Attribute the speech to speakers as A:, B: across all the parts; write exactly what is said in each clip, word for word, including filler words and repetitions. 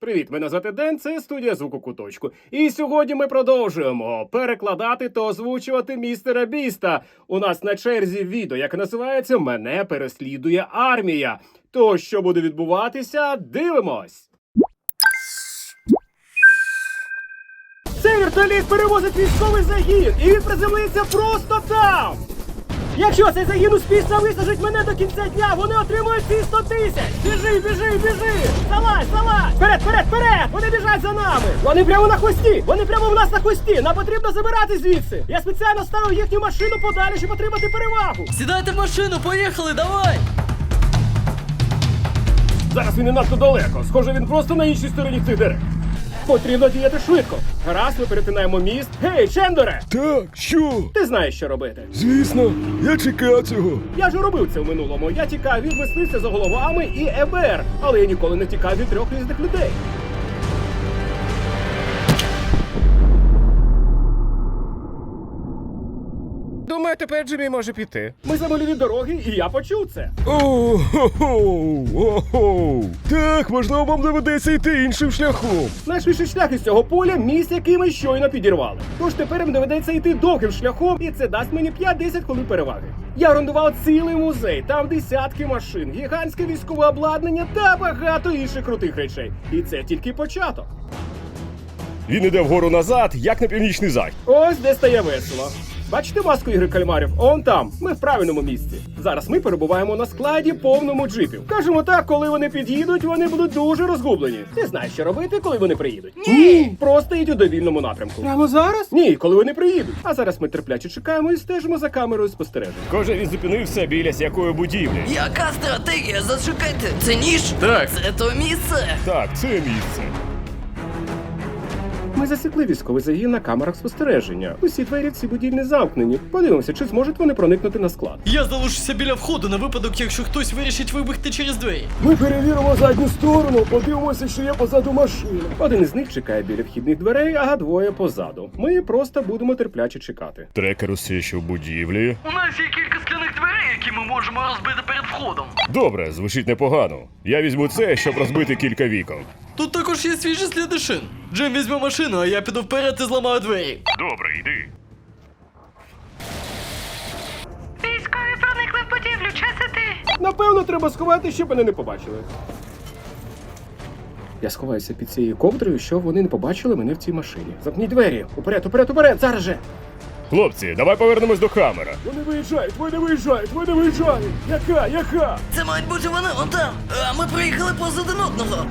A: Привіт, мене звати Ден, це студія звуку Куточку. І сьогодні ми продовжуємо перекладати та озвучувати містера Біста. У нас на черзі відео, яке називається «Мене переслідує армія». То, що буде відбуватися, дивимось! Цей вертоліт перевозить військовий загін, і він приземлиться просто там! Якщо цей загін успішно висажить мене до кінця дня, вони отримують ці сто тисяч! Біжи, біжи, біжи! Залазь, залазь! Вперед, вперед, вперед! Вони біжать за нами! Вони прямо на хвості! Вони прямо в нас на хвості! Нам потрібно забирати звідси! Я спеціально ставив їхню машину подалі, щоб отримати перевагу!
B: Сідайте в машину, поїхали, давай!
A: Зараз він не надто далеко. Схоже, він просто на іншій стороні цих дерев. Потрібно діяти швидко. Гаразд, ми перетинаємо міст. Гей, Чендере!
C: Так, що?
A: Ти знаєш, що робити.
C: Звісно, я чекав цього.
A: Я ж робив це в минулому. Я тікав від мисливця за головами і еф бе ер, але я ніколи не тікав від трьох різних людей. Думаю, тепер Джиммі може піти. Ми замили від дороги, і я почув це.
C: О-хо-хо! Так, можливо, вам доведеться йти іншим шляхом.
A: Найшвидший шлях із цього поля – міст, який ми щойно підірвали. Тож тепер їм доведеться йти довгим шляхом, і це дасть мені п'ять-десять хвилин переваги. Я орендував цілий музей, там десятки машин, гігантське військове обладнання та багато інших крутих речей. І це тільки початок.
C: Він іде вгору назад, як на північний захід.
A: Ось де стає весело. Бачите маску ігри кальмарів? Он там. Ми в правильному місці. Зараз ми перебуваємо на складі повному джипів. Кажемо так, коли вони під'їдуть, вони будуть дуже розгублені. Ти знаєш, що робити, коли вони приїдуть? Ні! Просто йдь у довільному напрямку. Прямо зараз? Ні, коли вони приїдуть. А зараз ми терпляче чекаємо і стежимо за камерою спостереження.
C: Схоже, він зупинився біля якої будівлі.
B: Яка стратегія? Зачекайте, це ніж?
C: Так.
B: Це то місце?
C: Так, це місце.
A: Ми засікли військовий загін на камерах спостереження. Усі двері в цій будівлі замкнені. Подивимося, чи зможуть вони проникнути на склад.
B: Я залишуся біля входу на випадок, якщо хтось вирішить вибігти через двері.
C: Ми перевіримо задню сторону, подивимося, що є позаду машини.
A: Один із них чекає біля вхідних дверей, а двоє позаду. Ми просто будемо терпляче чекати.
C: Трекер усе ще в будівлі.
B: У нас є кілька скляних дверей, які ми можемо розбити перед входом.
C: Добре, звучить непогано. Я візьму це, щоб розбити кілька вікон.
B: Тут також є свіжі сліди шин. Джим візьме машину, а я піду вперед і зламаю двері.
C: Добре, йди.
D: Військові проникли в будівлю, час іти.
A: Напевно, треба сховати, щоб мене не побачили. Я сховаюся під цією ковдрою, щоб вони не побачили мене в цій машині. Замкніть двері! Уперед, уперед, уперед! Зараз же!
C: Хлопці, давай повернемось до камера.
A: Вони виїжджають, вони виїжджають, вони виїжджають! Яка, яка?
B: Це мають бути вони, вон там. А ми приїхали поза один одного.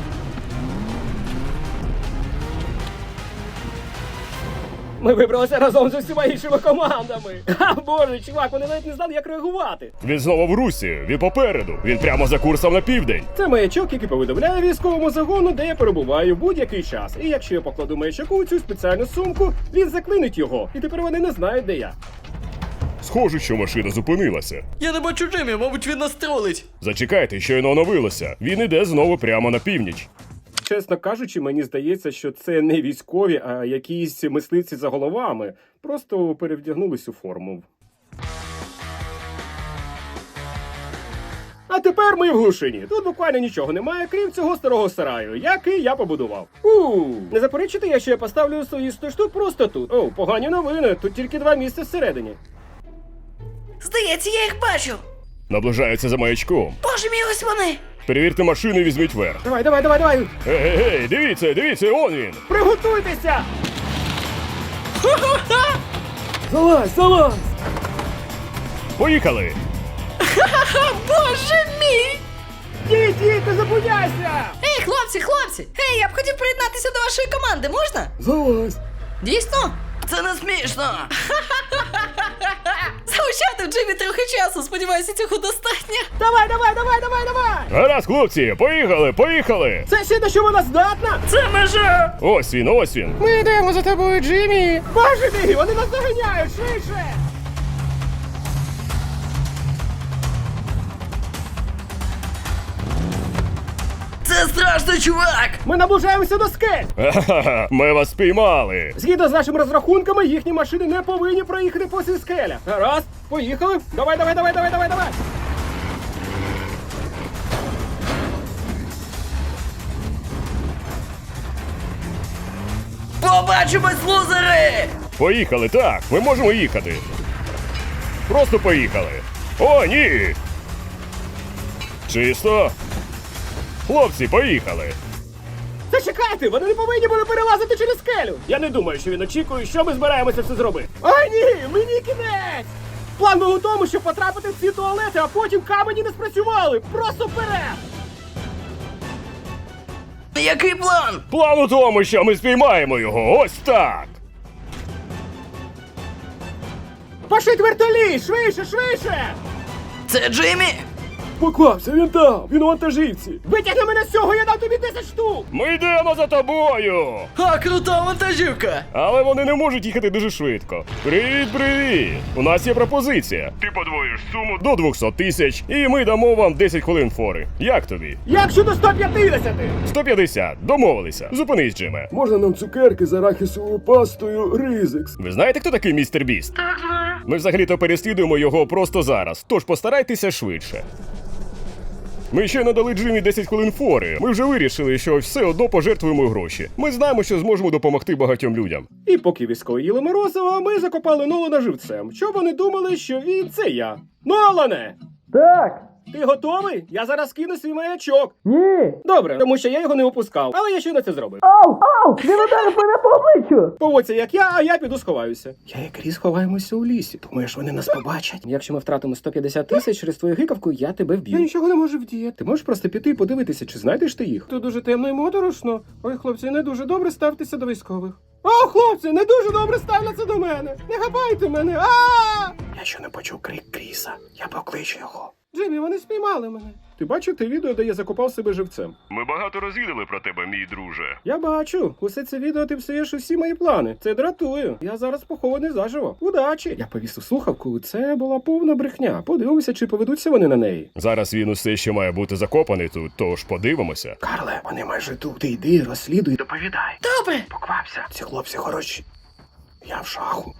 A: Ми вибралися разом з усіма іншими командами. А боже, чувак, вони навіть не знали, як реагувати.
C: Він знову в русі, він попереду, він прямо за курсом на південь.
A: Це маячок, який повідомляє військовому загону, де я перебуваю в будь-який час. І якщо я покладу маячок у цю спеціальну сумку, він заклинить його. І тепер вони не знають, де я.
C: Схоже, що машина зупинилася.
B: Я не бачу Джиммі, мабуть, він нас тролить.
C: Зачекайте, щойно оновилося. Він іде знову прямо на північ.
A: Чесно кажучи, мені здається, що це не військові, а якісь мисливці за головами. Просто перевдягнулись у форму. А тепер ми в глушині. Тут буквально нічого немає, крім цього старого сараю, який я побудував. У не заперечите, якщо я поставлю свої сто штук просто тут. О, погані новини, тут тільки два місця всередині.
D: Здається, я їх бачу.
C: Наближаються за маячком.
D: Боже мій, ось вони.
C: Перевірте машину і візьміть верх.
A: Давай, давай, давай, давай!
C: Ей-ей-ей, дивіться, дивіться, он він!
A: Приготуйтеся!
C: Залазь, залазь! Поїхали!
D: Боже мій!
A: Діть, діть, не зупиняйся!
D: Ей, хлопці, хлопці! Ей, я б хотів приєднатися до вашої команди, можна?
C: Залазь!
D: Дійсно?
B: Це не смішно.
D: Залишати в Джимі трохи часу, сподіваюся, цього достатньо.
A: Давай, давай, давай, давай, давай!
C: Гаразд, хлопці, поїхали, поїхали!
A: Це ще на що вона здатна?
D: Це межа!
C: Ось він, ось він!
A: Ми йдемо за тобою, Джиммі! Боже мій, вони нас доганяють, швидше!
B: Це страшно, чувак!
A: Ми наближаємося до скель!
C: Ха-ха-ха, ми вас спіймали!
A: Згідно з нашими розрахунками, їхні машини не повинні проїхати по цій скелях. Гаразд, поїхали! Давай, давай, давай, давай, давай, давай!
D: Побачимось, лузери!
C: Поїхали, так, ми можемо їхати. Просто поїхали. О, ні! Чисто. Хлопці, поїхали.
A: Зачекайте, вони не повинні були перелазити через скелю. Я не думаю, що він очікує, що ми збираємося все зробити. Ой, ні, мені кінець! План був у тому, щоб потрапити в ці туалети, а потім камені не спрацювали. Просто вперед!
D: Який план?
C: План у тому, що ми спіймаємо його. Ось так.
A: Пошить вертоліт! Швидше, швидше!
D: Це Джиммі?
A: Поквапся, він там, він у вантажівці. Витягни мене з цього, я дам тобі десять штук!
C: Ми йдемо за тобою.
B: А, крута вантажівка!
C: Але вони не можуть їхати дуже швидко. Привіт, привіт! У нас є пропозиція. Ти подвоїш суму до двісті тисяч, і ми дамо вам десять хвилин фори. Як тобі?
A: Як щодо сто п'ятдесят?
C: сто п'ятдесят. Домовилися. Зупинись, Джиме.
E: Можна нам цукерки з арахісовою пастою Ризекс?
C: Ви знаєте, хто такий містер Біст?
D: Так, знаю.
C: Ми взагалі-то переслідуємо його просто зараз, тож постарайтеся швидше. Ми ще надали Джиммі десять хвилин фори. Ми вже вирішили, що все одно пожертвуємо гроші. Ми знаємо, що зможемо допомогти багатьом людям.
A: І поки військові їли морозиво, ми закопали Нолана живцем, щоб вони думали, що він це я. Нолане!
F: Так,
A: Ти готовий? Я зараз кину свій маячок.
F: ні.
A: Добре, тому що я його не опускав, але я щойно це зробив.
F: Ау, ау, він ударив мене по обличчю.
A: Поводься як я, а я піду сховаюся. Я і Кріс ховаємося у лісі. Думаєш, вони нас побачать? Якщо ми втратимо сто п'ятдесят тисяч через твою гикавку, я тебе вб'ю. Я нічого не можу вдіяти. Ти можеш просто піти і подивитися, чи знайдеш ти їх. Тут дуже темно і моторошно. Ой, хлопці, не дуже добре ставтеся до військових. О, хлопці, не дуже добре ставляться до мене. Не хапайте мене. А! Я ще не почув крик Кріса. Я покличу його. Джиммі, вони спіймали мене. Ти бачив те відео, де я закопав себе живцем?
C: Ми багато розвідали про тебе, мій друже.
A: Я бачу. Усе це відео ти псуєш усі мої плани. Це дратує. Я зараз похований заживо. Удачі! Я повісив слухавку, це була повна брехня. Подивимося, чи поведуться вони на неї.
C: Зараз він усе ще має бути закопаний тут, тож подивимося.
A: Карле, вони майже тут. Ти йди, розслідуй, доповідай.
D: Добре.
A: Поквапся. Ці хлопці хороші. Я в шаху.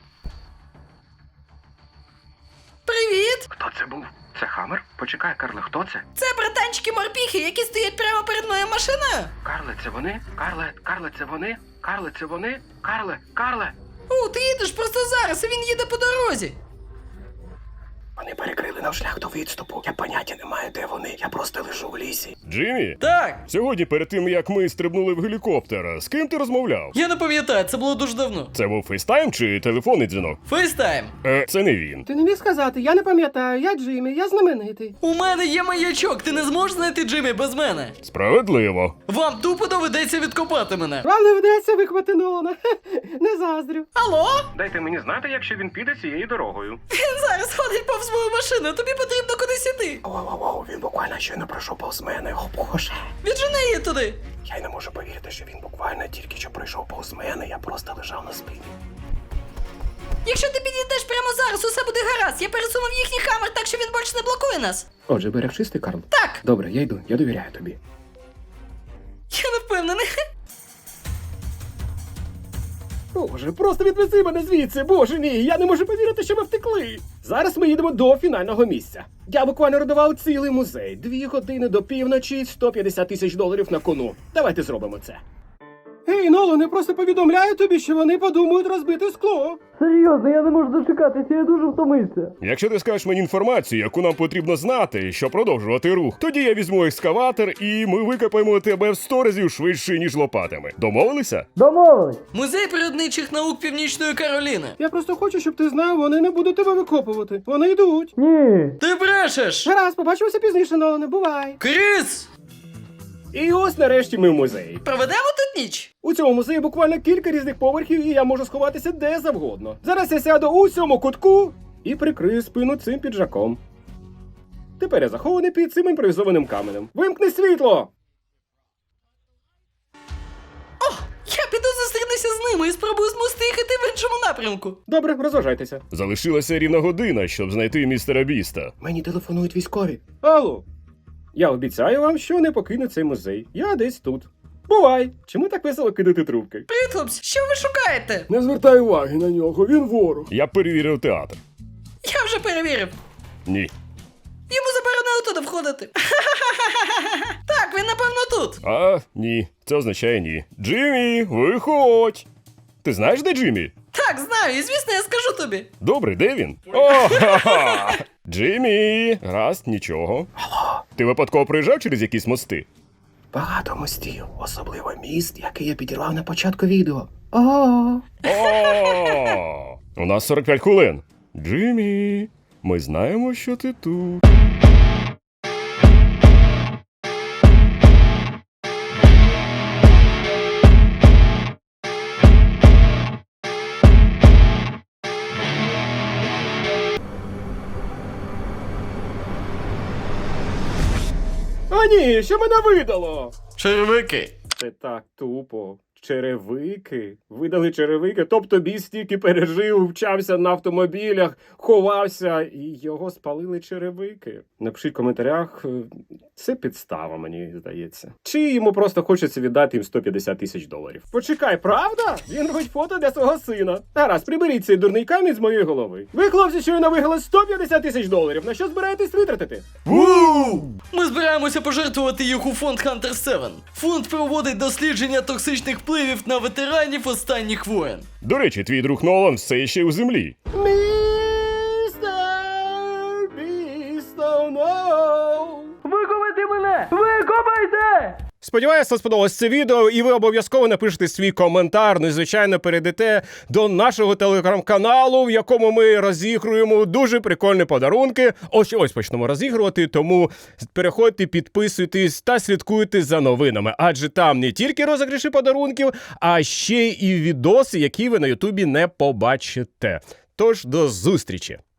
D: Привіт!
A: Хто це був? Це Хаммер? Почекай, Карле, хто це?
D: Це братанчики-морпіхи, які стоять прямо перед моєю машиною.
A: Карле, це вони? Карле, Карле, це вони? Карле, це вони? Карле, Карле!
D: О, ти їдеш просто зараз, а він їде по дорозі.
A: Вони перекрили нам шлях до відступу. Я поняття не маю, де вони. Я просто лежу в лісі.
C: Джиммі?
B: Так!
C: Сьогодні, перед тим, як ми стрибнули в гелікоптер, з ким ти розмовляв?
B: Я не пам'ятаю, це було дуже давно.
C: Це був фейстайм чи телефонний дзвінок?
B: Фейстайм.
C: Е, це не він.
A: Ти не міг сказати, я не пам'ятаю, я Джиммі, я знаменитий.
B: У мене є маячок, ти не зможеш знайти Джиммі без мене.
C: Справедливо.
B: Вам тупо доведеться відкопати мене.
A: Вам не вдається виквати Нолана. Не заздрю.
D: Алло?
A: Дайте мені знати, якщо він піде цією дорогою.
D: Він зараз ходить повз мою машину, тобі потрібно кудись іти.
A: Оу-оу-оу, він буквально щойно пройшов повз мене. О, Боже.
D: Віджени її туди.
A: Я й не можу повірити, що він буквально тільки що пройшов повз мене, я просто лежав на спині.
D: Якщо ти підійдеш прямо зараз, усе буде гаразд. Я пересунув їхній хамер так, що він більше не блокує нас.
A: Отже, берег чистий, Карл?
D: Так,
A: Добре, я йду, я довіряю тобі.
D: я не впевнений.
A: Боже, просто відвези мене звідси, боже мій, я не можу повірити, що ми втекли. Зараз ми їдемо до фінального місця. Я буквально родував цілий музей. Дві години до півночі, сто п'ятдесят тисяч доларів на кону. Давайте зробимо це. Гей, Нолане, просто повідомляю тобі, що вони подумають розбити скло.
F: Серйозно, я не можу дочекатися, я дуже втомився.
C: Якщо ти скажеш мені інформацію, яку нам потрібно знати, щоб продовжувати рух, тоді я візьму екскаватор і ми викопаємо тебе в сто разів швидше, ніж лопатами. Домовилися?
F: Домовились.
B: Музей природничих наук Північної Кароліни.
A: Я просто хочу, щоб ти знав, вони не будуть тебе викопувати. Вони йдуть.
F: Ні.
B: Ти брешеш!
A: Гаразд, побачимося пізніше, Нолане, бувай.
B: Кріс!
A: І ось нарешті ми в музеї.
D: Проведемо тут ніч.
A: У цьому музеї буквально кілька різних поверхів, і я можу сховатися де завгодно. Зараз я сяду у цьому кутку і прикрию спину цим піджаком. Тепер я захований під цим імпровізованим каменем. Вимкни світло!
D: Я піду зустрінуся з ними і спробую змусити їх іти в іншому напрямку.
A: Добре, розважайтеся.
C: Залишилася рівна година, щоб знайти містера Біста.
A: Мені телефонують військові. Алло. Я обіцяю вам, що не покину цей музей. Я десь тут. Бувай! Чому так весело кидати трубки?
D: Привіт, хлопці, що ви шукаєте?
E: Не звертай уваги на нього, він ворог.
C: Я перевірив театр.
D: Я вже перевірив.
C: Ні.
D: Йому заборонено туди входити. Так, він напевно тут.
C: А, ні. Це означає ні. Джиммі, виходь! Ти знаєш, де Джиммі?
D: Так, знаю, і звісно, я скажу тобі.
C: Добре, де він? О, ха-ха! Джиммі! Гаразд, нічого. Алло. Ти випадково проїжджав через якісь мости?
A: Багато мостів, особливо міст, який я підірвав на початку відео. О,
C: О! У нас сорок п'ять хвилин. Джиммі, ми знаємо, що ти тут.
A: А ні, що мене видало?
B: Черевики.
A: Це так тупо. Черевики? Видали черевики? Тобто бій стільки пережив, вчався на автомобілях, ховався, і його спалили черевики. Напишіть в коментарях, е, це підстава, мені здається. Чи йому просто хочеться віддати їм сто п'ятдесят тисяч доларів. Почекай, правда? Він робить фото для свого сина. Гаразд, приберіть цей дурний камінь з моєї голови. Ви, хлопці, щойно виграли сто п'ятдесят тисяч доларів. На що збираєтесь витратити?
B: Ми збираємося пожертвувати їх у фонд Хантер севен. Фонд проводить дослідження токсичних впливів на ветеранів останніх воєн.
C: До речі, твій друг Нолан все ще у землі.
A: Містер Бісто, ноу!
F: Викопайте мене! Викопайте!
C: Сподіваюся, вам сподобалось це відео, і ви обов'язково напишете свій коментар. Ну і, звичайно, перейдете до нашого телеграм-каналу, в якому ми розігруємо дуже прикольні подарунки. Ось ось почнемо розігрувати, тому переходьте, підписуйтесь та слідкуйте за новинами. Адже там не тільки розіграші подарунків, а ще і відоси, які ви на Ютубі не побачите. Тож, до зустрічі!